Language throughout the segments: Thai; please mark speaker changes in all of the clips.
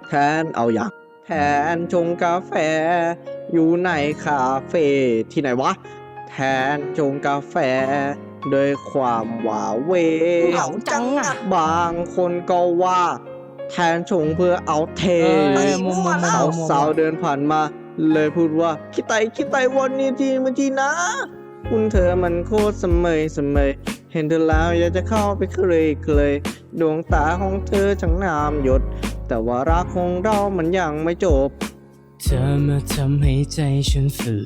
Speaker 1: แทนเอาอย่างแทนชงกาแฟ อยู่ในคาเฟ่ที่ไหนวะ แทนชงกาแฟด้วยความหวาเหว
Speaker 2: เหงาจังอ่ะ
Speaker 1: บางคนก็ว่า แทนชงเพื่อเอาเท
Speaker 2: มั่ว
Speaker 1: สาวสาวๆเดินผ่านมา เลยพูดว่าคิดไตวันนี้ทีมาทีนะ คุณเธอมันโคตรเสมยเห็นเธอแล้วอยากจะเข้าไปเคลยดวงตาของเธอช่างงามหยด แต่ว่ารักของเรามันยังไม่จบ
Speaker 2: เธอมาทำให้ใจฉันฝื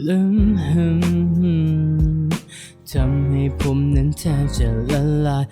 Speaker 2: นทำให้ผมนั้นแทบจะละลาย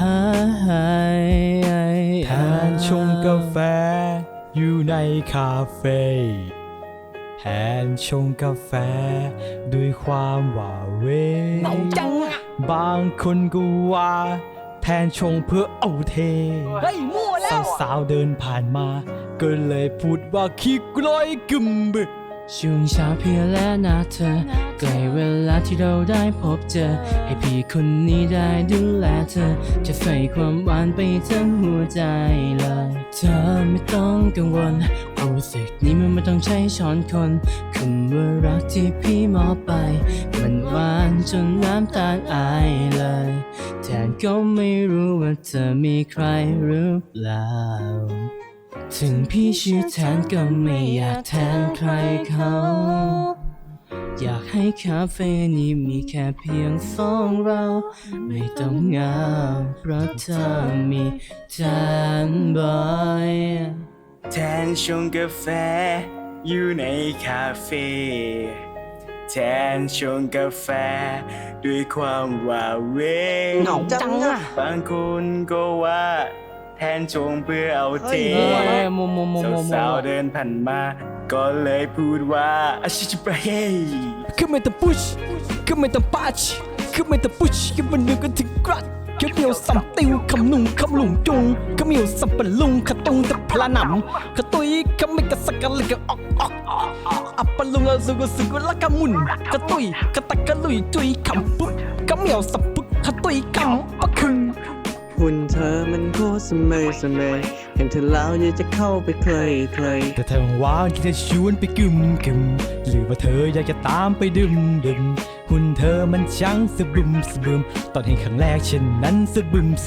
Speaker 3: แทนชงกาแฟอยู่ในคาเฟ่แทนชงกาแฟด้วยความหวาเหว
Speaker 2: เหงาจังอ่ะ
Speaker 3: บางคนก็ว่า แทนชงเพื่อเอาเท
Speaker 2: เฮ้ยมั่วแล้ว
Speaker 3: สาวๆเดินผ่านมา ก็เลยพูดว่าขี้กลอยกึมบึ
Speaker 2: ช่วงเช้าเพียงและนะเธอใกล้เวลาที่เราได้พบเจอ ให้พี่คนนี้ได้ดูแลเธอ จะใส่ความหวานไปทั้งหัวใจเลย เธอไม่ต้องกังวลความรู้สึกนี้มันไม่ต้องใช้ช้อนคนคำว่ารักที่พี่มอบไป มันหวานจนน้ำตาอายเลยแทนก็ไม่รู้ว่าเธอมีใครหรือเปล่า ถึงพี่ชื่อแทนก็ไม่อยากแทนใครเขา อยากให้คาเฟ่นี้มีแค่เพียงสองเรา ไม่ต้องเหงาเพราะเธอมีแทนบ่อย
Speaker 4: แทนชงกาแฟอยู่ในคาเฟ่แทนชงกาแฟด้วยความหวาเหว
Speaker 2: เหงาจังอ่ะ
Speaker 4: บางคนก็ว่า แทนชงเพื่อเอาเท สาวๆเดินผ่านมา ก็เลยพูดว่าอาชิจิบะเฮ
Speaker 3: คือไม่ต้องพุชคือไม่ต้องปัชคือไม่ต้องพุชคือมันนึกกันถึงกรัดคือเมียวสัมติวคำนุ่งคำหลุงจุงคือเมียวสัมปะลุงขะตุงแต่พลาหนำขะตุยขะไม่กะสักกะเลยกะออกอัปปะลุงละสุกุละกะมุนขะตุยขะตะกะลุยจุยคำปุ๊บขะเมียวสัมปุ๊บขะตุยคำปะคึง
Speaker 1: หุ่นเธอมันโคตรเสมยเห็นเธอแล้วอยากจะเข้าไปเคลย
Speaker 3: แต่เธอว่างที่จะชวนไปกึมหรือว่าเธออยากจะตามไปดื่มหุ่นเธอมันช่างสะบึมตอนเห็นครั้งแรกฉันนั้นสะบึม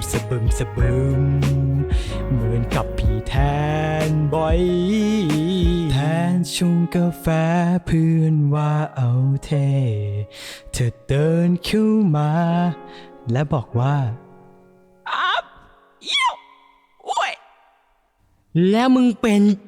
Speaker 3: เหมือนกับพี่แทนบ่อยแทนชงกาแฟเพื่อนว่าเอาเทเธอเดินเข้ามา และบอกว่า
Speaker 2: แล้วมึงเป็น